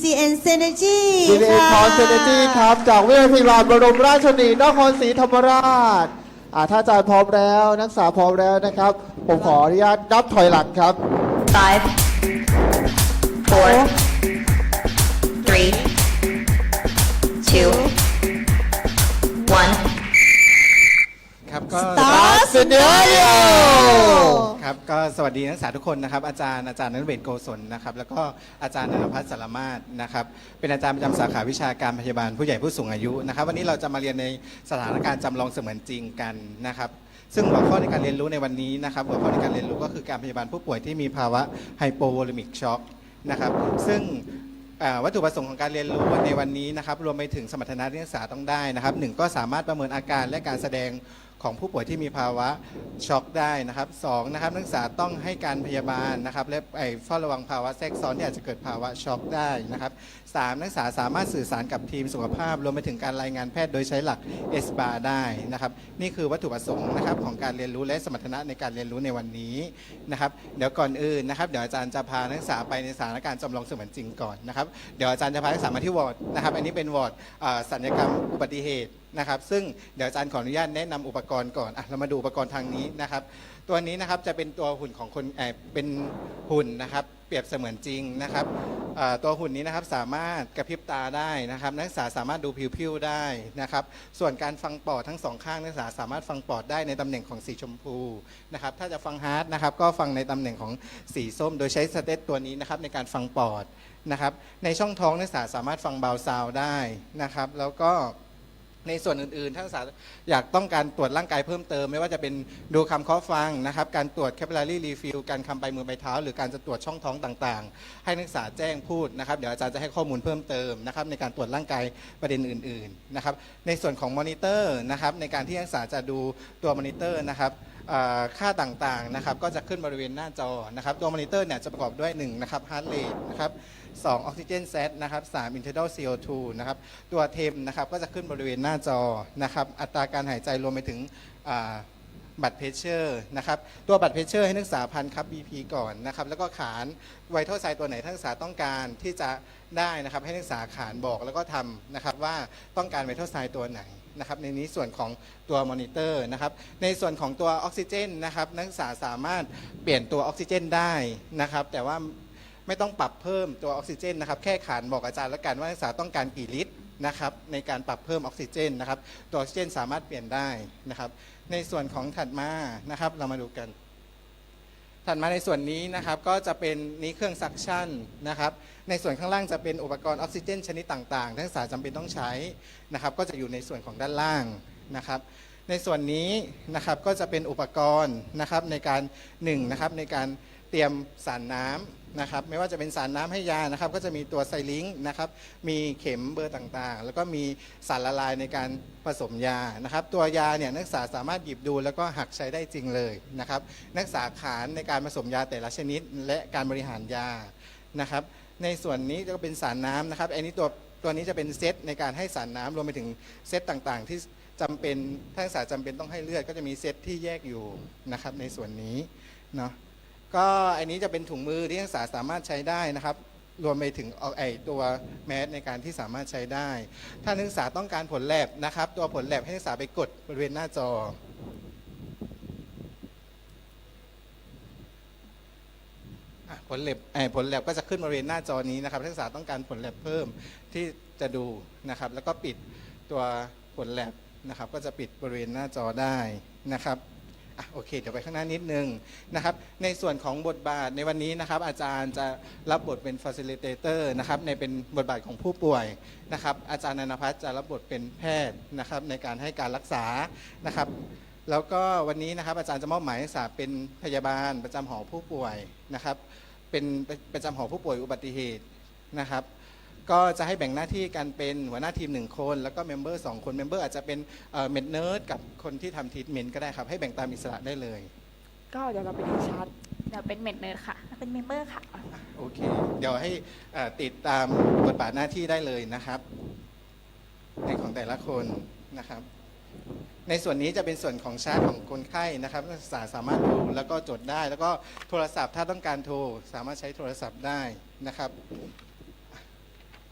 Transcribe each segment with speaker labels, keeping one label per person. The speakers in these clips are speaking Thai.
Speaker 1: DCN Synergy
Speaker 2: DCN
Speaker 1: ค่ะ
Speaker 2: Synergy ครับจากวิทยาลัยลานบรมราชชนนีนครศรีธรรมราชถ้าอาจารย์พร้อมแล้วนักศึกษาพร้อมแล้วนะครับผมขออนุญาตนับถอยหลังครับ
Speaker 3: 5, 4, 3, 2, 1.
Speaker 4: ครับก็
Speaker 1: Star Scenario
Speaker 4: ครับก็สวัสดีนักศึกษาทุกคนนะครับอาจารย์ณัฐเวศโกศลนะครับแล้วก็อาจารย์ณัฐพัฒน์สารมาศนะครับเป็นอาจารย์ประจำสาขาวิชาการพยาบาลผู้ใหญ่ผู้สูงอายุนะครับวันนี้เราจะมาเรียนในสถานการณ์จำลองเสมือนจริงกันนะครับซึ่งหัวข้อในการเรียนรู้ในวันนี้นะครับหัวข้อในการเรียนรู้ก็คือการพยาบาลผู้ป่วยที่มีภาวะไฮโปโวลูมิกช็อกนะครับซึ่งวัตถุประสงค์ของการเรียนรู้ในวันนี้นะครับรวมไปถึงสมรรถนะที่นักศึกษาต้องได้นะครับหนึ่งก็สามารถประเมินอาการและการแสดงของผู้ป่วยที่มีภาวะช็อกได้นะครับสองนะครับนักศึกษาต้องให้การพยาบาลนะครับและเฝ้าระวังภาวะแทรกซ้อนที่อาจจะเกิดภาวะช็อกได้นะครับสามนักศึกษาสามารถสื่อสารกับทีมสุขภาพรวมไปถึงการรายงานแพทย์โดยใช้หลัก SBAR ได้นะครับนี่คือวัตถุประสงค์นะครับของการเรียนรู้และสมรรถนะในการเรียนรู้ในวันนี้นะครับเดี๋ยวก่อนอื่นนะครับเดี๋ยวอาจารย์จะพานักศึกษาไปในสถานการณ์จำลองเสมือนจริงก่อนนะครับเดี๋ยวอาจารย์จะพานักศึกษามาที่วอร์ดนะครับอันนี้เป็นวอร์ดศัลยกรรมอุบัติเหตุนะครับซึ่งเดี๋ยวอาจารย์ขออนุญาตแนะนำอุปกรณ์ก่อนเรามาดูอุปกรณ์ทางนี้นะครับตัวนี้นะครับจะเป็นตัวหุ่นของคนเป็นหุ่นนะครับเปรียบเสมือนจริงนะครับตัวหุ่นนี้นะครับสามารถกระพริบตาได้นะครับนักศึกษาสามารถดูผิวๆได้นะครับส่วนการฟังปอดทั้งสองข้างนักศึกษาสามารถฟังปอดได้ในตำแหน่งของสีชมพูนะครับถ้าจะฟังฮาร์ดนะครับก็ฟังในตำแหน่งของสีส้มโดยใช้สเตตตัวนี้นะครับในการฟังปอดนะครับในช่องท้องนักศึกษาสามารถฟังบาวซาวได้นะครับแล้วก็ในส่วนอื่นๆถ้านักศึกษาอยากต้องการตรวจร่างกายเพิ่มเติมไม่ว่าจะเป็นดูคำเคาะฟังนะครับการตรวจ capillary refill การคำไปมือไปเท้าหรือการจะตรวจช่องท้องต่างๆให้นักศึกษาแจ้งพูดนะครับเดี๋ยวอาจารย์จะให้ข้อมูลเพิ่มเติมนะครับในการตรวจร่างกายประเด็นอื่นๆนะครับในส่วนของมอนิเตอร์นะครับในการที่นักศึกษาจะดูตัวมอนิเตอร์นะครับค่าต่างๆนะครับก็จะขึ้นบริเวณหน้าจอนะครับตัวมอนิเตอร์เนี่ยจะประกอบด้วย1นะครับ heart rate นะครับ2ออกซิเจนเซตนะครับ3 internal CO2 นะครับตัวเทมนะครับก็จะขึ้นบริเวณหน้าจอนะครับอัตราการหายใจรวมไปถึงบัตรเพชเชอร์นะครับตัวบัตรเพชเชอร์ให้นักศึกษาพันครับ BP ก่อนนะครับแล้วก็ขานไวท์เท่าไซตัวไหนนักศึกษาต้องการที่จะได้นะครับให้นักศึกษาขานบอกแล้วก็ทำนะครับว่าต้องการไวท์เท่าไซตัวไหนนะครับในนี้ส่วนของตัวมอนิเตอร์นะครับในส่วนของตัวออกซิเจนนะครับนักศึกษาสามารถเปลี่ยนตัวออกซิเจนได้นะครับแต่ว่าไม่ต้องปรับเพิ่มตัวออกซิเจนนะครับแค่ขานบอกอาจารย์แล้วกันว่านักศึกษาต้องการกี่ลิตรนะครับในการปรับเพิ่มออกซิเจนนะครับตัวออกซิเจนสามารถเปลี่ยนได้นะครับในส่วนของถัดมานะครับเรามาดูกันถัดมาในส่วนนี้นะครับก็จะเป็นนี้เครื่องซักชั่นนะครับในส่วนข้างล่างจะเป็นอุปกรณ์ออกซิเจนชนิดต่างๆนักศึกษาจำเป็นต้องใช้นะครับก็จะอยู่ในส่วนของด้านล่างนะครับในส่วนนี้นะครับก็จะเป็นอุปกรณ์นะครับในการนะครับในการเตรียมสารน้ำนะครับไม่ว่าจะเป็นสารน้ำให้ยานะครับก็จะมีตัวไซลิงค์นะครับมีเข็มเบอร์ต่างๆแล้วก็มีสารละลายในการผสมยานะครับตัวยาเนี่ยนักศึกษาสามารถหยิบดูแล้วก็หักใช้ได้จริงเลยนะครับนักศึกษาขานในการผสมยาแต่ละชนิดและการบริหารยานะครับในส่วนนี้ก็เป็นสารน้ำนะครับอันนี้ตัวนี้จะเป็นเซตในการให้สารน้ำรวมไปถึงเซตต่างๆที่จำเป็นถ้านักศึกษาจำเป็นต้องให้เลือดก็จะมีเซตที่แยกอยู่นะครับในส่วนนี้เนาะก็อันนี้จะเป็นถุงมือที่นักศึกษาสามารถใช้ได้นะครับรวมไปถึงตัวแมสในการที่สามารถใช้ได้ถ้านักศึกษาต้องการผลแลบนะครับตัวผลแลบให้นักศึกษาไปกดบริเวณหน้าจอผลแลบก็จะขึ้นบริเวณหน้าจอนี้นะครับนักศึกษาต้องการผลแลบเพิ่มที่จะดูนะครับแล้วก็ปิดตัวผลแลบนะครับก็จะปิดบริเวณหน้าจอได้นะครับโอเคเดี๋ยวไปข้างหน้านิดนึงนะครับในส่วนของบทบาทในวันนี้นะครับอาจารย์จะรับบทเป็น facilitator นะครับในเป็นบทบาทของผู้ป่วยนะครับอาจารย์ณัฐพัฒน์จะรับบทเป็นแพทย์นะครับในการให้การรักษานะครับแล้วก็วันนี้นะครับอาจารย์จะมอบหมายนักศึกษาเป็นพยาบาลประจำหอผู้ป่วยนะครับเป็นประจำหอผู้ป่วยอุบัติเหตุนะครับก็จะให้แบ่งหน้าที่กันเป็นหัวหน้าทีม1คนแล้วก็เมมเบอร์2คนเมมเบอร์อาจจะเป็นเมดเนิร์ดกับคนที่ทำทรีทเมนต์ก็ได้ครับให้แบ่งตามอิสระได้เลย
Speaker 5: ก็เดี๋ยวเราไปดูชาร์ต
Speaker 3: เดี๋ยวเป็นเมดเนิร์ดค่ะเป็นเมมเบอร์ค่ะ
Speaker 4: โอเคเดี๋ยวให้ติดตามบทบาทหน้าที่ได้เลยนะครับในของแต่ละคนนะครับในส่วนนี้จะเป็นส่วนของชาร์ตของคนไข้นะครับนักศึกษาสามารถดูแล้วก็จดได้แล้วก็โทรศัพท์ถ้าต้องการโทรสามารถใช้โทรศัพท์ได้นะครับ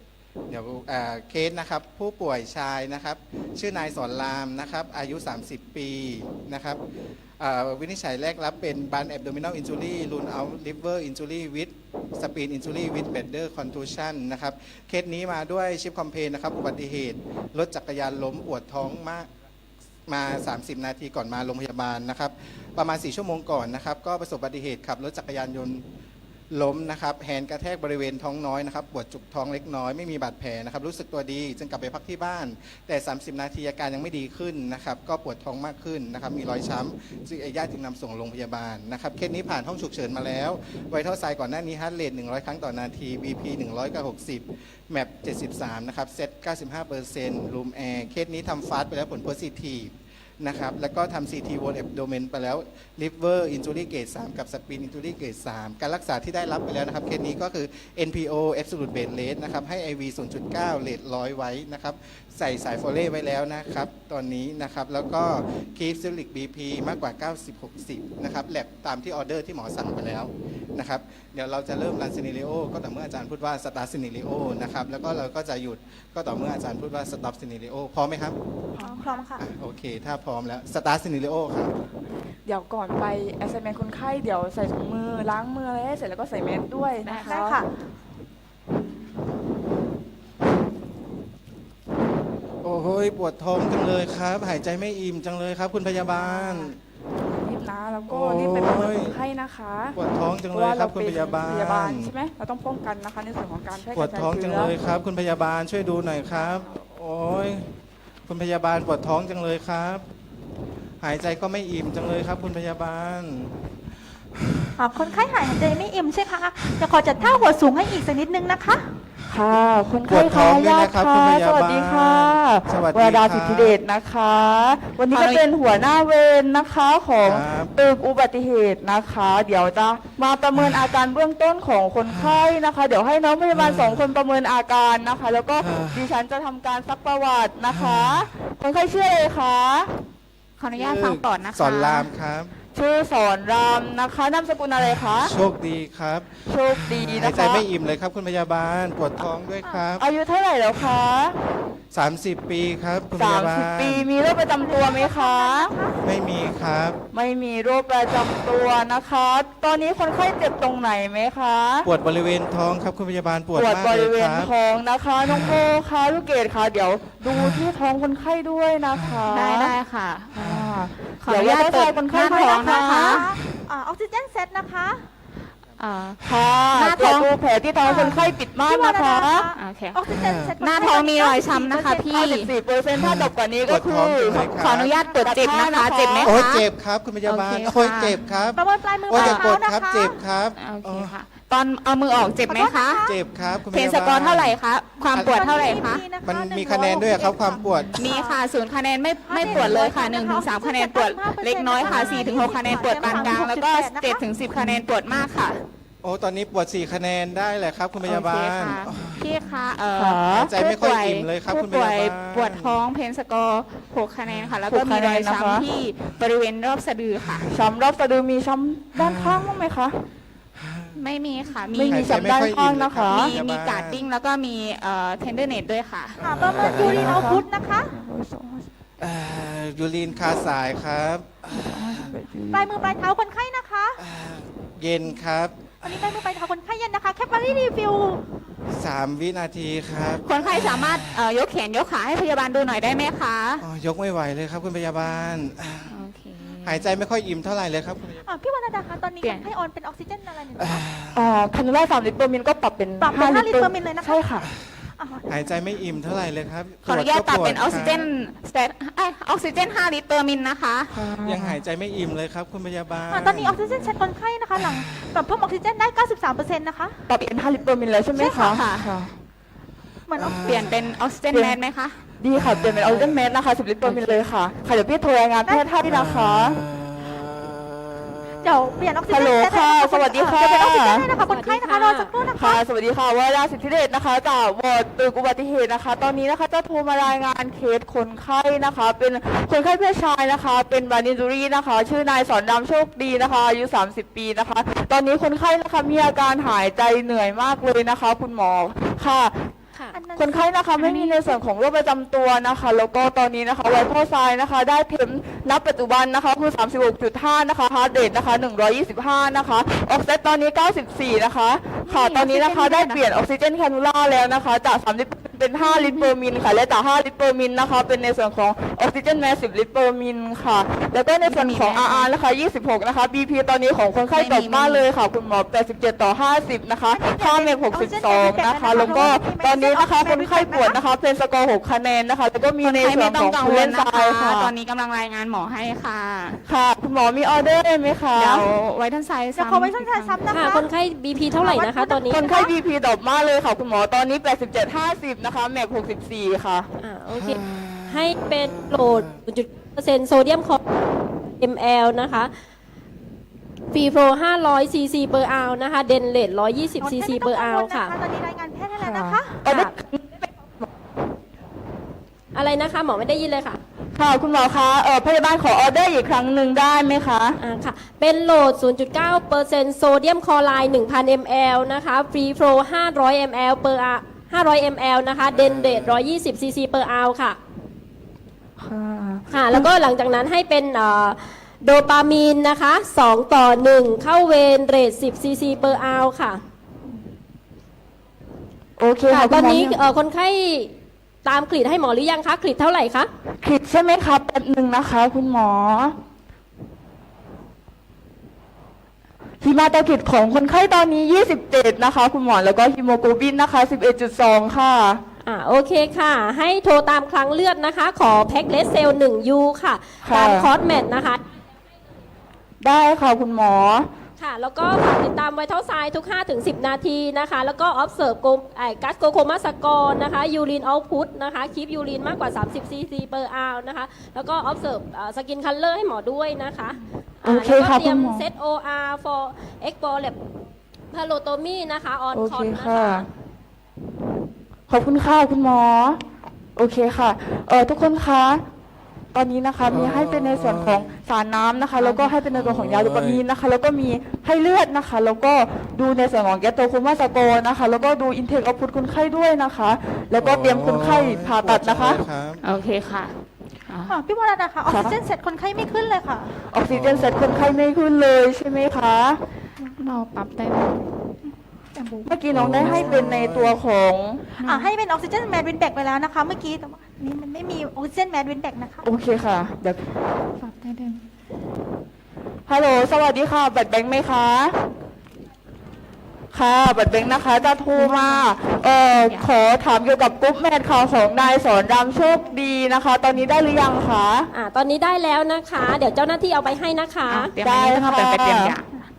Speaker 4: ดี๋ยวเคสนะครับผู้ป่วยชายนะครับชื่อนายสอนรามนะครับอายุ 30 ปีนะครับวินิจฉัยแรกรับเป็นบันแอบโดมิน a ลอินจูรี่รูนเอาลิเวอร์อินจูรี่วิดสปีนอินจูรี่วิดเบดเดอร์คอนทูชันนะครับเคสนี้มาด้วยชิปคอมเพลนนะครับอุบัติเหตุรถจักรยานล้มปวดท้องมากมา 30 นาทีก่อนมาโรงพยาบาลนะครับประมาณ 4 ชั่วโมงก่อนนะครับก็ประสบอุบัติเหตุขับรถจักรยานยนต์ล้มนะครับแฮนด์กระแทกบริเวณท้องน้อยนะครับปวดจุกท้องเล็กน้อยไม่มีบาดแผลนะครับรู้สึกตัวดีจึงกลับไปพักที่บ้านแต่ 30 นาทีอาการยังไม่ดีขึ้นนะครับก็ปวดท้องมากขึ้นนะครับมีรอยช้ำจึงญาติจึงนำส่งโรงพยาบาลนะครับเคสนี้ผ่านห้องฉุกเฉินมาแล้วไวทัลไซน์ก่อนหน้านี้ฮาร์ทเรท100 ครั้งต่อนาที BP 100 กับ 60 แมป73นะครับเซต 95%รูมแอร์เคสนี้ทำฟาสต์ไปแล้วผลโพซิทีฟนะครับแล้วก็ทำ CT Wall Abdomen ไปแล้ว Liver Injury Grade 3 กับ Spleen Injury Grade 3 การรักษาที่ได้รับไปแล้วนะครับเคสนี้ก็คือ NPO Absolute Bed Rest นะครับให้ IV 0.9 เรท100 ไว้นะครับใส่สายโฟเล่ไว้แล้วนะครับตอนนี้นะครับแล้วก็ Keep Systolic BP มากกว่า 90-60 นะครับแลบตามที่ออเดอร์ที่หมอสั่งไปแล้วนะครับเดี๋ยวเราจะเริ่มรันซีเนริโอก็ต่อเมื่ออาจารย์พูดว่า Start Scenario นะครับแล้วก็เราก็จะหยุดก็ต่อเมื่ออาจารย์พูดว่า Stop Scenario พร้อมไหมครับ
Speaker 3: พร้อมค่ะ
Speaker 4: โอเคถ้าพร้อมแล้ว Start Scenario ครับ
Speaker 5: เดี๋ยวก่อนไป assignment คนไข้เดี๋ยวใส่ถุงมือล้างมืออะไรให้เสร็จแล้วก็ใส่แมสด้วยนะคะ
Speaker 3: ได้ค่ะ
Speaker 4: โอ้โหปวดท้องจังเลยครับ หายใจไม่อิ่มจังเลยครับ คุณพยาบาล
Speaker 5: รีบนะแล้วก็
Speaker 4: โอ้ย
Speaker 5: รีบไปประเมินคนไข้นะคะ
Speaker 4: ปวดท้องจัง
Speaker 5: เพ
Speaker 4: เล
Speaker 5: ราะ
Speaker 4: ย
Speaker 5: ว่า
Speaker 4: ครั
Speaker 5: เรา
Speaker 4: บคุณ
Speaker 5: เป็น
Speaker 4: พยาบาล
Speaker 5: พยาบาลใช่ไหมเราต้องป้องกันนะคะในส่วนของการแพร่ก
Speaker 4: ปว
Speaker 5: ระ
Speaker 4: ด
Speaker 5: จาย
Speaker 4: ท้องจั
Speaker 5: เชื้
Speaker 4: ง
Speaker 5: อ
Speaker 4: เลยครับ คุณพยาบาลช่วยดูหน่อยครับ โอ้ยคุณพยาบาลปวดท้องจังเลยครับ หายใจก็ไม่อิ่มจังเลยครับ คุณพยาบาล
Speaker 1: คนไข้หายใจไม่อิ่มใช่คะจะขอจัดท่าหัวสูงให้อีกสักนิดนึงนะคะ
Speaker 5: ค่ะคน
Speaker 4: ป
Speaker 5: ไข้
Speaker 4: วดท้องด้วย
Speaker 5: ญา
Speaker 4: นะ
Speaker 5: ติ
Speaker 4: ครับ
Speaker 5: ค่ะ
Speaker 4: คุณพยาบาล
Speaker 5: สวัสดีค่ะ
Speaker 4: สวัสดี
Speaker 5: วราดา
Speaker 4: ครับ
Speaker 5: สิทธิเดชนะคะ วันนี้ก็เป็นหัวหน้าเวรนะคะของ
Speaker 4: ครับ
Speaker 5: ตึกอุบัติเหตุนะคะ เดี๋ยวจะมาประเมินอาการเบื้องต้นของคนไข้นะคะ เดี๋ยวให้น้องพยาบาล2 คนประเมินอาการนะคะ แล้วก็ดิฉันจะทำการซักประวัตินะคะ คนไข้ชื่ออะไรคะ
Speaker 3: ขออนุญาตฟังก่อนนะคะ
Speaker 4: สอนรามครับ
Speaker 5: ชื่อสอนรามนะคะนามสกุลอะไรคะ
Speaker 4: โชคดีครับ
Speaker 5: โชคดี
Speaker 4: หาย
Speaker 5: นะคะ
Speaker 4: ใจไม่อิ่มเลยครับ คุณพยาบาล ปวดท้องด้วยครับ
Speaker 5: อายุเท่าไหร่แล้วคะ
Speaker 4: 30 ปีครับ คุณพยาบาล
Speaker 5: 30 ปีมีโรคประจำตัวไหมคะ
Speaker 4: ไม่มีครับ
Speaker 5: ไม่มีโรคประจำตัวนะคะ ตอนนี้คนไข้เจ็บตรงไหนไหมคะ
Speaker 4: ปวดบริเวณท้องครับ คุณพยาบาลปวด
Speaker 5: ปวด
Speaker 4: มาก
Speaker 5: บ
Speaker 4: เล
Speaker 5: ริ
Speaker 4: ย
Speaker 5: เว
Speaker 4: ค
Speaker 5: ณ
Speaker 4: รับ
Speaker 5: ท้องนะคะน้องโบคะลูกเกดคะเดี๋ยวดูที่ท้องคนไข้ด้วยนะคะ
Speaker 3: ได้ค่ะ
Speaker 5: อ่า
Speaker 3: ขออนุญาต
Speaker 5: ดี๋ว
Speaker 3: เปิด
Speaker 5: คน
Speaker 3: ห
Speaker 5: ไข้
Speaker 3: น้า
Speaker 5: ท้
Speaker 3: ท้
Speaker 5: อ
Speaker 3: อง ง
Speaker 5: นะ
Speaker 3: นะคะ
Speaker 1: ออกซิเจนเซตนะคะ
Speaker 5: ค่ะ
Speaker 3: หน้า
Speaker 5: ตร
Speaker 3: ท้
Speaker 5: ว
Speaker 3: อ
Speaker 5: จ
Speaker 3: ง
Speaker 5: ดูแผลที่ท้องคนไข้ปิดม่านนะคะ
Speaker 3: โอเค
Speaker 1: ออกซิเจนเซต
Speaker 3: หน้าท้องมีรอยช้ำนะคะพี่
Speaker 5: 54%ถ้าตกกว่านี้ก็คื
Speaker 4: ปวดท้อง
Speaker 5: อ
Speaker 4: จังเลย
Speaker 3: ขออนุญาตตรวจเจ็บนะคะ เจ็บไหม
Speaker 4: โอ้ย
Speaker 3: คะ
Speaker 4: เจ็บครับ คุณพยาบาล
Speaker 3: โอเคค่ะ
Speaker 4: โอ้ยเจ็บครับ
Speaker 1: ประเมินปลายมือ
Speaker 4: โอ้ย
Speaker 1: ปลา
Speaker 4: อย ย่า
Speaker 1: เท้าก
Speaker 4: ด
Speaker 1: นะครับ คะ
Speaker 4: เจ็บครับ
Speaker 3: โอเคค่ะ ตอนเอามือออกเจ็บไหมคะ
Speaker 4: เจ็บครับ คุณพ
Speaker 3: เพน
Speaker 4: ยาบาล
Speaker 3: สกอร์เท่าไหร่คะ ความปวดเท่าไหร่คะ
Speaker 4: มันมีคะแนนด้วยครับ ความปวด
Speaker 3: มีค่ะ0 คะแนนไม่ปวดเลยค่ะ1 ถึง 3 คะแนนปวดเล็กน้อยค่ะ4 ถึง 6 คะแนนปวดปานกลาง แล้วก็7 ถึง 10 คะแนนปวดมากค่ะ
Speaker 4: โอ้ตอนนี้ปวด 4 คะแนนได้แหละครับ คุณพยาบา
Speaker 3: โอเค
Speaker 4: ล
Speaker 3: ค่ะพี่คะ
Speaker 5: ค่ะ
Speaker 4: หายใจไม่ค่อยอิ่มเลยครับ
Speaker 3: ผู้
Speaker 4: คุณพ
Speaker 3: ป่วย
Speaker 4: ยาบาล
Speaker 3: ปวดท้องเพนสกอร์6 คะแนนค่ะ แล้วก็
Speaker 5: 6
Speaker 3: มีรอย
Speaker 5: คะแนนนะคะ
Speaker 3: ช้ำที่บริเวณรอบสะดือค่ะ
Speaker 5: ช้ำรอบสะดือมีช้ำด้านข้างบ้างไหมคะ
Speaker 3: ไม่มีค่ะ
Speaker 5: ไม่มีช้ำด้านข้างนะคะ
Speaker 3: มีการ์ดดิ้งแล้วก็มีเทนเดอร์เนตด้วยค่ะ
Speaker 1: ประเมินยูรินเอาพุทนะคะ
Speaker 4: ยูรีนคาสายครับ
Speaker 1: ปลายมือปลายเท้าคนไข้นะคะ
Speaker 4: เย็นครับ
Speaker 1: วันนี้ปลายมือปลายเท้าคนไข้เย็นนะคะ แคปบารีรีวิว
Speaker 4: 3 วินาทีครับ
Speaker 3: คนไข้สามารถยกแขนยกขาให้พยาบาลดูหน่อยได้ไหมคะ
Speaker 4: อ๋อยกไม่ไหวเลยครับ คุณพยาบาล
Speaker 3: โอเค
Speaker 4: หายใจไม่ค่อยอิ่มเท่าไหร่เลยครับคุณพยาบาล
Speaker 1: พี่วรรณดาคะตอนนี้
Speaker 3: เปลี่ยน
Speaker 1: คนไข้ออนเป็นออกซิเจนอะไรหนึ่ง
Speaker 5: คานูล่า3 ลิตรเปอร์มิลก็ปรับเป็น
Speaker 1: ปรับเป็น
Speaker 5: 5
Speaker 1: 5 ลิตรเปอร์มิลเลยนะคะ
Speaker 5: ใช่ค่ะ
Speaker 4: หายใจไม่อิ่มเท่าไหร่เลยครับ
Speaker 3: ขออนุญาตปรับเป็น
Speaker 4: ว
Speaker 3: อ
Speaker 4: ด
Speaker 3: อกซิเจนสเตตออกซิเจน5 ลิตรเปอร์มิลนะคะ
Speaker 4: ยังหายใจไม่อิ่มเลยครับ คุณพยาบาล
Speaker 1: ตอนนี้ออกซิเจนเซตคนไข้นะคะ หลังปรับเพิ่มออกซิเจนได้ 93%นะคะ
Speaker 5: ปรับเป็น5 ลิตรเปอร์มิลแล้วใช่ไหม
Speaker 3: ใช่
Speaker 5: คะ
Speaker 3: ค่ะ
Speaker 5: ค่ะ
Speaker 1: เหมือน
Speaker 3: เปลี่ยนเป็นออกซิเจนแมสไหมคะ
Speaker 5: ดีค่ะ เปลี่ยนเป็นออกซิเจนเมสนะคะ10 ลิตรเปอร์มิลเลยค่ะ ค่ะเดี๋ยวพี่โทรรายงานแพทย์ให้นะคะ
Speaker 1: เดี๋ยวเปลี่ยนออกซิเจน
Speaker 5: ฮัลโหล
Speaker 1: เซต
Speaker 5: ค่ะสวัสดีค่ะ
Speaker 1: เดี๋ยวเป็นออกซิเจนให้นะคะคนไข้นะคะรอสักครู่นะคะ
Speaker 5: ค่ะ สวัสดีค่ะวราสิทธิเดชนะคะจากวอร์ดตึกอุบัติเหตุนะคะ ตอนนี้นะคะจะโทรมารายงานเคสคนไข้นะคะ เป็นคนไข้เพศชายนะคะ เป็นบานินจูรี่นะคะ ชื่อนายสอนดำโชคดีนะคะ อายุ 30 ปีนะคะ ตอนนี้คนไข้นะคะมีอาการหายใจเหนื่อยมากเลยนะคะ คุณหมอค่ะ
Speaker 3: ค
Speaker 6: ค่ะ
Speaker 1: อันนั้น
Speaker 5: คนไข้นะคะไม่มีในส่วนของโรคประจำตัวนะคะ แล้วก็ตอนนี้นะคะไวท์เทอร์ไซน์นะคะได้เทมนับปัจจุบันนะคะคือ 36.5 นะคะฮาร์ดเรทนะคะ 125 นะคะออกซิเจนตอนนี้ 94 นะคะค่ะตอนนี้นะคะได้เปลี่ยนออกซิเจนแคนูล่าแล้วนะคะจาก3ลิตรเป็น5ลิตรเปอร์มิลค่ะและจาก5ลิตรเปอร์มิลนะคะเป็นในส่วนของออกซิเจนแมส10ลิตรเปอร์มิลค่ะแล้วก็ในส่วนของ RR นะคะ26 นะคะ BP ตอนนี้ของคนไข้ตกมากเลยค่ะคุณหมอ87/50นะคะค่าเมก62นะคะแล้วก็ตอนนี้นะคะคนไข้ปวดนะคะเป็นสกอร์6คะแนนนะคะแล้วก็มีใน
Speaker 3: ใคร
Speaker 5: ส่ว
Speaker 3: ไม่
Speaker 5: น
Speaker 3: ต้
Speaker 5: ข
Speaker 3: อ
Speaker 5: อง ง
Speaker 3: กัง
Speaker 5: คุณ
Speaker 3: ว
Speaker 5: เล่
Speaker 3: ล
Speaker 5: น
Speaker 3: นะ
Speaker 5: ทราย
Speaker 3: คะ
Speaker 5: ค่ะ
Speaker 3: ตอนนี้กำลังรายงานหมอให้ค่ะ
Speaker 5: ค่ะคุณหมอมีออเดอร์ไหมคะ
Speaker 3: เดี๋ยวไว้ท่านไซด์
Speaker 1: เดี๋ยวขอไว้ช่วยซ้ำนะคะ
Speaker 6: ค่ะ คนไข้ BP เท่าไหร่นะคะ ตอนนี้
Speaker 5: คนไข้ BP ตกมากเลยค่ะคุณหมอตอนนี้87/50นะคะแมก64ค่ะ
Speaker 6: โอเค ให้เป็นโหลด 0.% โซเดียมคอ ml นะคะฟรีโปร500 cc per hour นะคะ เดนเลต120 cc per hour ค่ะ
Speaker 1: ตอนนี้รายงานแพทย์ให้แล้วนะคะ
Speaker 6: ค่ะอะไรนะคะ หมอไม่ได้ยินเลยค่ะ
Speaker 5: ค่ะคุณหมอคะพยาบาลขอออเดอร์อีกครั้งหนึ่งได้ไหมคะ
Speaker 6: ค่ะ เป็นโหลด 0.9% โซเดียมคลอไรด์ 1,000 ml นะคะฟรีโปร500 ml per hour 500 ml นะคะ เดนเลต120 cc per hour ค่ะ ค่ะ แล้วก็หลังจากนั้นให้เป็นโดปามีนนะคะ2:1 เข้าเวนเรท10 cc per hour ค่ะ
Speaker 5: โอเค
Speaker 6: ค่ะ
Speaker 5: ค่ะ
Speaker 6: ตอนนี้
Speaker 5: คุณหม
Speaker 6: คนไข้ตามกรีดให้หมอหรือยังคะ กรีดเท่าไหร่คะ
Speaker 5: ผิดใช่ไหมคะแป๊บหนึ่งนะคะ คุณหมอฮีมาโตคิดของคนไข้ตอนนี้27นะคะคุณหมอแล้วก็ฮีโมโกลบินนะคะ11.2ค่ะ
Speaker 6: โอเคค่ะ ให้โทรตามครั้งเลือดนะคะ ขอแพ็กเลสเซล1 U ค่ะ
Speaker 5: ค่ะ
Speaker 6: ตามคอร์สแมทนะคะ
Speaker 5: ได้ค่ะคุณหมอ
Speaker 6: ค่ะ แล้วก็ฝากติดตามไวท์เทอร์ไซน์ทุก 5-10 นาทีนะคะ แล้วก็ observe กัสโกโคมาสกอร์นะคะ ยูรินเอาพุตนะคะคีปยูรินมากกว่า 30 cc per hour นะคะ แล้วก็ observe สกินคัลเลอร์ให้หมอด้วยนะคะ
Speaker 5: โอเค
Speaker 6: แล้วก็
Speaker 5: ค่ะ
Speaker 6: เตรียม
Speaker 5: คุณหมอ
Speaker 6: set OR for explore lab palotomy นะคะ on
Speaker 5: โอเค
Speaker 6: cot นะ
Speaker 5: ค่ะ
Speaker 6: คะ
Speaker 5: ขอบคุณค่ะคุณหมอ โอเคค่ะทุกคนคะตอนนี้นะคะมีให้เป็นในส่วนของสารน้ำนะคะ แล้วก็ให้เป็นในส่วนของยาโดปามีนนะคะ แล้วก็มีให้เลือดนะคะ แล้วก็ดูในส่วนของแกตโตโคมาสโกนะคะ แล้วก็ดูอินเทคเอาพุตคนไข้ด้วยนะคะ แล้วก็เตรียมคนไข้ผ่าตัดนะคะ
Speaker 4: ปวจังเลยรับ
Speaker 3: โอเคค่ะ
Speaker 1: พี่วรดาค่ะออกซิเจนเสร็จคนไข้ไม่ขึ้นเลยค่ะ
Speaker 5: ออกซิเจนเสร็จคนไข้ไม่ขึ้นเลยใช่ไหมคะ
Speaker 3: เราปรับได้ไหม
Speaker 5: เมื่อกี้น้องได้ให้เป็นในตัวของ
Speaker 1: ให้เป็นออกซิเจนแมดวินแบกไปแล้วนะคะ เมื่อกี้แต่ว่าอันนี้มันไม่มีออกซิเจนแมดวินแบกนะคะ
Speaker 5: โอเคค่ะเดี๋ยว
Speaker 3: ปรับได้ด้วย
Speaker 5: ฮัลโหลสวัสดีค่ะบัตรแบงค์ไหมคะค่ะบัตรแบงค์นะคะจะโทรมาขอถามเกี่ยวกับกรุ๊ปแมทข่าวของนายสอนรามโชคดีนะคะ ตอนนี้ได้หรือยังคะ
Speaker 6: ตอนนี้ได้แล้วนะคะ เดี๋ยวเจ้าหน้าที่เอาไปให้นะคะ
Speaker 3: เตรียมอันนี้นะคะเป็นไปเตรียมยา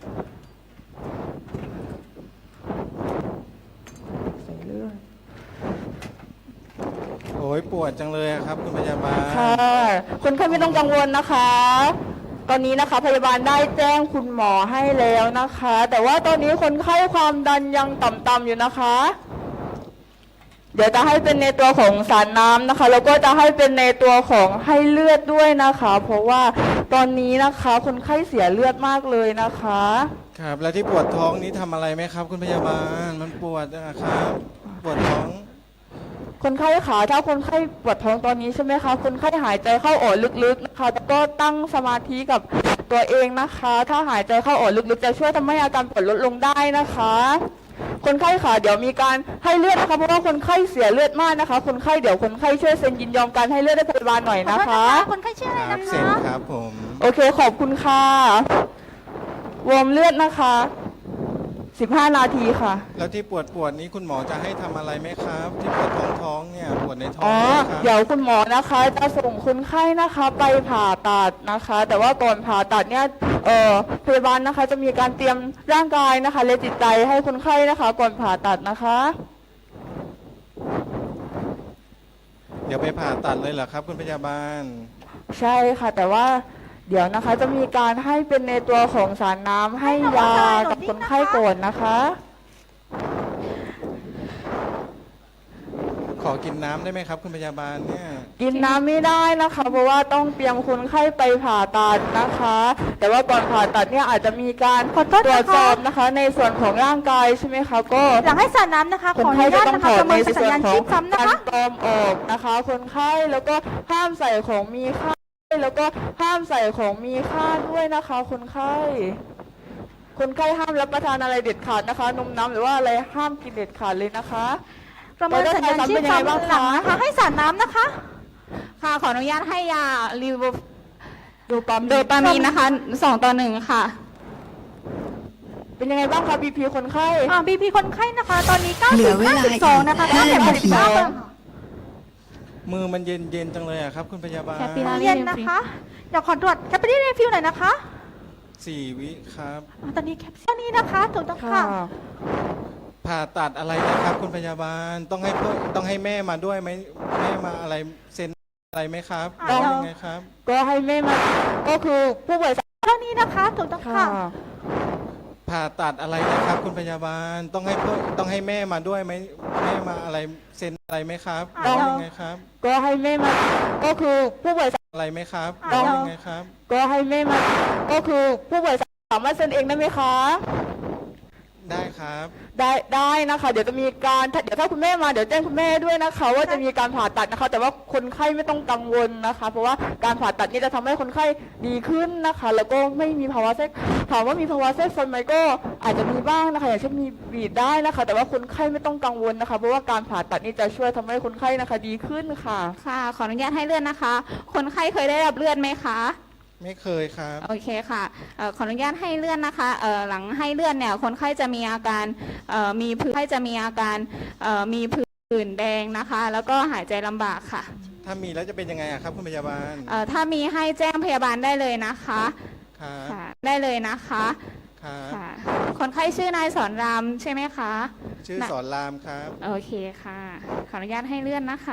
Speaker 4: โอ้ยปวดจังเลยอะครับคุณพยาบาล
Speaker 5: ค่ะคนไข้ไม่ต้องกังวลนะคะ ตอนนี้นะคะพยาบาลได้แจ้งคุณหมอให้แล้วนะคะ แต่ว่าตอนนี้คนไข้ความดันยังต่ำๆอยู่นะคะ เดี๋ยวจะให้เป็นในตัวของสารน้ำนะคะ แล้วก็จะให้เป็นในตัวของให้เลือดด้วยนะคะ เพราะว่าตอนนี้นะคะคนไข้เสียเลือดมากเลยนะคะ
Speaker 4: ครับ แล้วที่ปวดท้องนี้ทำอะไรไหมครับ คุณพยาบาล มันปวดนะครับ ปวดท้อง
Speaker 5: คนไข้ขาถ้าคนไข้ปวดท้องตอนนี้ใช่ไหมคะคนไข้หายใจเข้าออกลึกๆนะคะแล้วก็ตั้งสมาธิกับตัวเองนะคะ ถ้าหายใจเข้าออกลึกๆจะช่วยทำให้อาการปวดลดลงได้นะคะ คนไข้ขาเดี๋ยวมีการให้เลือดนะคะเพราะว่าคนไข้เสียเลือดมากนะคะ คนไข้เดี๋ยวคนไข้ช่วยเซ็นยินยอมการให้เลือดให้พยาบาลหน่อย
Speaker 1: ขอ
Speaker 5: นะ
Speaker 1: โทษ
Speaker 5: คะ
Speaker 1: คนไข้ชื่ออะไร
Speaker 4: ครั
Speaker 1: นะ
Speaker 4: บ
Speaker 1: คะ
Speaker 4: เซ็นครับผม
Speaker 5: โอเคขอบคุณค่ะวอร์มเลือดนะคะ15 นาทีค่ะ
Speaker 4: แล้วที่ปวดนี้คุณหมอจะให้ทำอะไรไหมครับ ที่ปวดท้องเนี่ย ปวดในท้อง
Speaker 5: อ๋อ
Speaker 4: เนี่ยครับ
Speaker 5: เดี๋ยวคุณหมอนะคะจะส่งคนไข้นะคะไปผ่าตัดนะคะ แต่ว่าก่อนผ่าตัดเนี่ยพยาบาลนะคะจะมีการเตรียมร่างกายนะคะและจิตใจให้คนไข้นะคะ ก่อนผ่าตัดนะคะ
Speaker 4: เดี๋ยวไปผ่าตัดเลยเหรอครับ คุณพยาบาล
Speaker 5: ใช่ค่ะ แต่ว่าเดี๋ยวนะคะจะมีการให้เป็นในตัวของสารน้ำให้ยากับคนไข้ก่อนนะคะ
Speaker 4: ขขอกินน้ำได้ไหมครับคุณพยาบาลเนี่ย
Speaker 5: กินน้ำไม่ได้นะคะ เพราะว่าต้องเตรียมคนไข้ไปผ่าตัดนะคะ แต่ว่าก่อนผ่าตัดเนี่ยอาจจะมีการ
Speaker 1: ขอโทษ
Speaker 5: ตร
Speaker 1: นะคะ
Speaker 5: วจสอบนะคะ ในส่วนของร่างกายใช่ไหมคะก็
Speaker 1: หลังให้สาดน้ำนะคะ
Speaker 5: ค
Speaker 1: ขอน อ
Speaker 5: ไข้
Speaker 1: นุ
Speaker 5: จะ
Speaker 1: ญาต
Speaker 5: ต้อง
Speaker 1: นะคะ
Speaker 5: ถอด
Speaker 1: ประเมิ
Speaker 5: ใน
Speaker 1: นสัญ
Speaker 5: ส่วน
Speaker 1: ญาณ
Speaker 5: ขอ
Speaker 1: ชี
Speaker 5: ง
Speaker 1: พซ้ำนะ
Speaker 5: การ
Speaker 1: คะ
Speaker 5: ปลอมออกนะคะ คนไข้แล้วก็ห้ามใส่ของมีค่าแล้วก็ห้ามใส่ของมีค่าด้วยนะคะ คนไข้ห้ามรับประทานอะไรเด็ดขาดนะคะ นมน้ำหรือว่าอะไรห้ามกินเด็ดขาดเลยนะคะ
Speaker 1: ประเมินสัญญาณชีพซ้ำหลังนะคะให้สาดน้ำนะคะ
Speaker 3: ค่ะขออนุญาตให้ยาลิว
Speaker 5: โดปามีน
Speaker 3: โดปามีนนะคะ2:1ค่ะ
Speaker 5: เป็นยังไงบ้างคะบีพีคนไข้
Speaker 1: บีพีคนไข้นะคะ ตอนนี้
Speaker 7: เหลือเวลาอีก
Speaker 1: 92นะคะค่าแผล
Speaker 7: 5 นาที
Speaker 4: มือมันเย็นๆจังเลยอะครับคุณพยาบาล
Speaker 3: แคปปิลา
Speaker 1: เย็นนะคะ เดี๋ยวขอตรวจแคปปี้รีฟิลหน่อยนะคะ
Speaker 4: 4 วิครับ
Speaker 1: ตอนนี้แคปชั่นนี้นะคะถูกต้องค่ะ
Speaker 4: ผ่าตัดอะไรนะครับคุณพยาบาลต้องให้แม่มาด้วยไหมแม่มาอะไรเซ็นอะไรไหมครับ
Speaker 1: ต้อง
Speaker 4: ยังไงครับ
Speaker 5: ก็ให้แม่มาก็คือผู้ป่วย
Speaker 1: เท่านี้นะคะถูกต้อง
Speaker 5: ค่ะ
Speaker 1: ค่ะ
Speaker 4: ผ่าตัดอะไรนะครับคุณพยาบาลต้องให้แม่มาด้วยไหมแม่มาอะไรเซ็นอะไรไหมครับ
Speaker 1: ต้อง
Speaker 4: ยังไงครับ
Speaker 5: ก็ให้แม่มาก็คือผู้ป่วย
Speaker 4: อะไรไหมครับ
Speaker 1: ต้อง
Speaker 4: ยังไงครับ
Speaker 5: ก็ให้แม่มาก็คือผู้ป่วยสามารถเซ็นเองได้ไหมคะ
Speaker 4: ได้ครับ
Speaker 5: ได้นะคะ เดี๋ยวจะมีการเดี๋ยวถ้าคุณแม่มาเดี๋ยวแจ้งคุณแม่ด้วยนะคะ ว่าจะมีการผ่าตัดนะคะ แต่ว่าคนไข้ไม่ต้องกังวลนะคะ เพราะว่าการผ่าตัดนี้จะทำให้คนไข้ดีขึ้นนะคะ แล้วก็ไม่มีภาวะแทรกถามว่ามีภาวะแทรกซ้อนไหมก็อาจจะมีบ้างนะคะ อย่างเช่นมีบีดได้นะคะ แต่ว่าคนไข้ไม่ต้องกังวลนะคะ เพราะว่าการผ่าตัดนี้จะช่วยทำให้คนไข้นะคะดีขึ้นค่ะ
Speaker 3: ค่ะ ขออนุญาตให้เลือดนะคะ คนไข้เคยได้รับเลือดไหมคะ
Speaker 4: ไม่เคยครับ
Speaker 3: โอเคค่ะขออนุญาตให้เลื่อนนะคะหลังให้เลื่อนเนี่ยคนไข้จะมีอาการมีผื่นแดงนะคะ แล้วก็หายใจลำบากค่ะ
Speaker 4: ถ้ามีแล้วจะเป็นยังไงอะครับคุณพยาบาล
Speaker 3: ถ้ามีให้แจ้งพยาบาลได้เลยนะคะ
Speaker 4: ครับ
Speaker 3: ค่ะได้เลยนะคะ
Speaker 4: ครับ
Speaker 3: ค่ะคนไข้ชื่อนายสอนรามใช่ไหมคะ
Speaker 4: ชื่อสอนรามครับ
Speaker 3: โอเคค่ะขออนุญาตให้เลื่อนนะคะ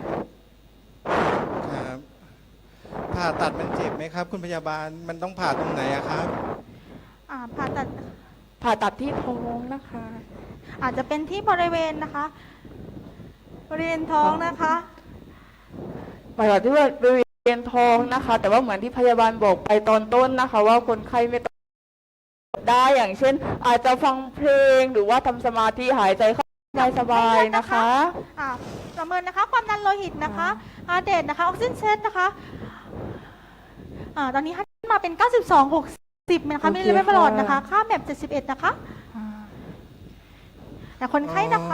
Speaker 4: ครับผ่าตัดมันเจ็บไหมครับ คุณพยาบาลมันต้องผ่าตรงไหนอะครับ
Speaker 1: ผ่าตัด
Speaker 5: ผ่าตัดที่ท้องนะคะ
Speaker 1: อาจจะเป็นที่บริเวณนะคะ บริเวณท้องนะคะ
Speaker 5: ผ่าตัดที่บริเวณท้องนะคะ แต่ว่าเหมือนที่พยาบาลบอกไปตอนต้นนะคะ ว่าคนไข้ไม่ต้องได้อย่างเช่น อาจจะฟังเพลงหรือว่าทำสมาธิหายใจเข้าสบายๆนะคะ
Speaker 1: ประเมินนะคะความดันโลหิตนะคะเดทนะคะออกซิเจนเซตนะคะตอนนี้ให้มาเป็น 92/60นะคะ
Speaker 5: โอเค
Speaker 1: มิลลิเมตรประหลอดนะคะ
Speaker 5: ค่ะ
Speaker 1: ค่าแมป71นะคะแต่คนไข้นะคะ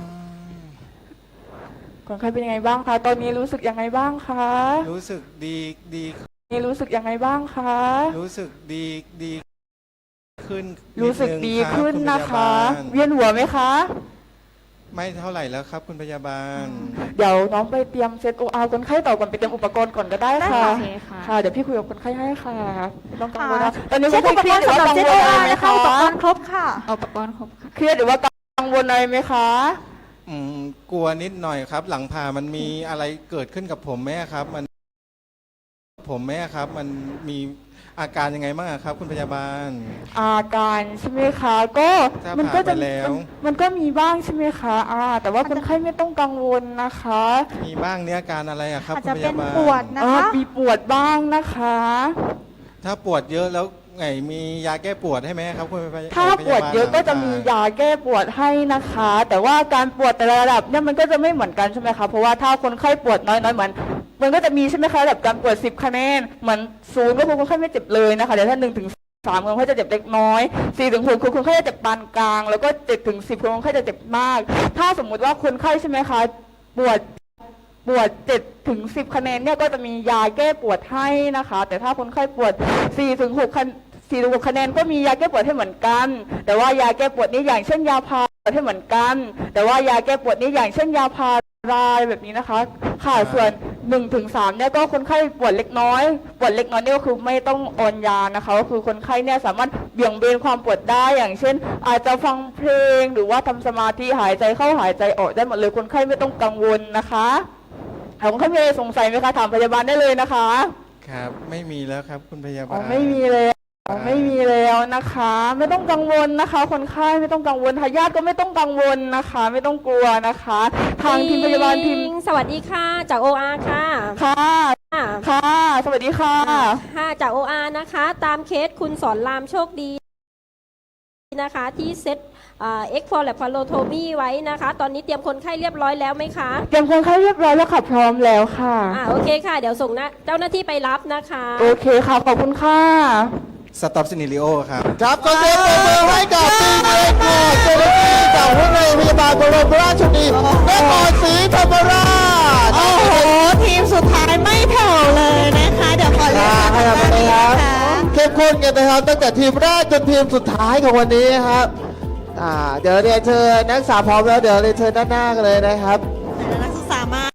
Speaker 5: คนไข้เป็นยังไงบ้างคะ ตอนนี้รู้สึกยังไงบ้างคะ
Speaker 4: รู้สึกดีดี
Speaker 5: นี่รู้สึกยังไงบ้างคะ
Speaker 4: รู้สึกดีขึ้น
Speaker 5: รู้สึก
Speaker 4: นินึง
Speaker 5: ดี
Speaker 4: รับ
Speaker 5: ขึ้น
Speaker 4: ณพ
Speaker 5: นะ
Speaker 4: ยา
Speaker 5: คะ
Speaker 4: บาล
Speaker 5: เวียนหัวไหมคะ
Speaker 4: ไม่เท่าไหร่แล้วครับ คุณพยาบาล
Speaker 5: เดี๋ยวน้องไปเตรียมเซตโออาร์คนไข้ต่อก่อนไปเตรียมอุปกรณ์ก่อนก็ได้ค่ะ
Speaker 3: ได้ค่ะโอเคค่ะ
Speaker 5: ค่ะ เดี๋ยวพี่คุยกับคนไข้ให้ค่ะไม่ต้องกังวล
Speaker 1: ค่ะ
Speaker 5: นะตอนนี้ค
Speaker 1: เช็
Speaker 5: น
Speaker 1: ค
Speaker 5: ไข้
Speaker 1: อุป
Speaker 5: เค
Speaker 1: ก
Speaker 5: รีย
Speaker 1: ร
Speaker 5: ด
Speaker 1: ณ์
Speaker 5: หรือ
Speaker 1: สำห
Speaker 5: ว่า
Speaker 1: รับ
Speaker 5: กัง
Speaker 1: เจ็
Speaker 5: ว
Speaker 1: ต
Speaker 5: ล
Speaker 1: โอ
Speaker 5: อะไร
Speaker 1: อาร์
Speaker 5: ไหม
Speaker 1: นะคะ
Speaker 5: คะ
Speaker 1: อุปกรณ์ครบค่ะ
Speaker 5: เครียดหรือว่ากังวลอะไรไหมคะ
Speaker 4: กลัวนิดหน่อยครับ หลังผ่ามันมีอะไรเกิดขึ้นกับผมไหมครับ มันมีอาการยังไงบ้างอะครับ คุณพยาบาล
Speaker 5: อาการใช่ไหมคะก็
Speaker 4: ถ้า
Speaker 5: มัก็จะ
Speaker 4: ผ่าไปแล้ว
Speaker 5: มันก็มีบ้างใช่ไหมคะแต่ว่าคนไข้ไม่ต้องกังวลนะคะ
Speaker 4: มีบ้างเนี่ยอาการอะไรอะครับ
Speaker 1: อาจ
Speaker 4: คุณ
Speaker 1: จะ
Speaker 4: พ
Speaker 1: เป็น
Speaker 4: ยาบาล
Speaker 1: ปวดนะคะ
Speaker 5: มีปวดบ้างนะคะ
Speaker 4: ถ้าปวดเยอะแล้วไงมียาแก้ปวดให้ไหมครับคุณพยาบาล
Speaker 5: ถ้าปวดเยอะก็จะมียาแก้ปวดให้นะคะ แต่ว่าการปวดแต่ละระดับเนี่ยมันก็จะไม่เหมือนกันใช่ไหมคะเพราะว่าถ้าคนไข้ปวดน้อยๆเหมือนมันก็จะมีใช่ไหมคะระดับการปวด10 คะแนนเหมือน0ก็คือคนไข้ไม่เจ็บเลยนะคะเดี๋ยวถ้า1 ถึง 3คนไข้จะเจ็บเล็กน้อย4 ถึง 6คือคนไข้จะเจ็บปานกลางแล้วก็7 ถึง 10คนไข้จะเจ็บมาก ถ้าสมมุติว่าคนไข้ใช่ไหมคะปวด7 ถึง 10 คะแนนเนี่ยก็จะมียาแก้ปวดให้นะคะ แต่ถ้าคนไข้ปวด4 ถึง 6 คะแนนก็มียาแก้ปวดให้เหมือนกัน แต่ว่ายาแก้ปวดนี้อย่างเช่นยาพาราให้เหมือนกัน แต่ว่ายาแก้ปวดนี้อย่างเช่นยาพาราแบบนี้นะคะค่ะส่วน1 ถึง 3เนี่ยก็คนไข้ปวดเล็กน้อยนี่ก็คือไม่ต้องออนยานะคะก็คือคนไข้เนี่ยสามารถเบี่ยงเบนความปวดได้อย่างเช่น อาจจะฟังเพลงหรือว่าทำสมาธิหายใจเข้าหายใจออกได้หมดเลยคนไข้ไม่ต้องกังวลนะคะคนไข้มีอะไรสงสัยไหมคะถามพยาบาลได้เลยนะคะ
Speaker 4: ครับ ไม่มีแล้วครับ คุณพยาบาล
Speaker 5: ไม่มีเลยไม่มีแล้วนะคะ ไม่ต้องกังวลนะคะ คนไข้ไม่ต้องกังวลทายาทก็ไม่ต้องกังวลนะคะ ไม่ต้องกลัวนะคะ ทางทีมพยาบาลทีม
Speaker 6: สวัสดีค่ะจาก OR ค่ะ
Speaker 5: ค่ะ
Speaker 6: ค่ะ
Speaker 5: ค่ะ สวัสดีค่ะ
Speaker 6: ค่ะจาก OR นะคะ ตามเคสคุณสอนรามโชคดีนะคะที่เซตเอ็กโฟแลบพาโลโทมีไว้นะคะ ตอนนี้เตรียมคนไข้เรียบร้อยแล้วไหมคะ
Speaker 5: เตรียมคนไข้เรียบร้อยแล้วค่ะ พร้อมแล้วค่ะ
Speaker 6: โอเคค่ะ เดี๋ยวส่งเจ้าหน้าที่ไปรับนะคะ
Speaker 5: โอเคค่ะ ขอบคุณค่ะ
Speaker 4: สต็อปซินิลิโอครับ
Speaker 2: ครับขอเสียงปรบมือให้กับทีมเอกค่ะเจ้าหน้าที่จากวิทยาลัยพยาบาลบรมราชชนนีนครศรีธรรมราช
Speaker 7: โอ้โห ทีมสุดท้ายไม่แผ่วเลยนะคะ เดี๋ยวขอเรียน
Speaker 2: ให้
Speaker 7: ทาง
Speaker 2: เรา
Speaker 7: ด้าน
Speaker 2: ไป
Speaker 7: นี้
Speaker 2: ครั
Speaker 7: นะ
Speaker 2: บ
Speaker 7: คะ
Speaker 2: เข้มข้นกันนะครับตั้งแต่ทีมแรกจนทีมสุดท้ายของวันนี้ครับเดี๋ยวเรียนเชิญนักศึกษาพร้อมแล้วเดี๋ยวเรียนเชิญด้านหน้ากันเลยนะครับ
Speaker 7: นักศึกษามา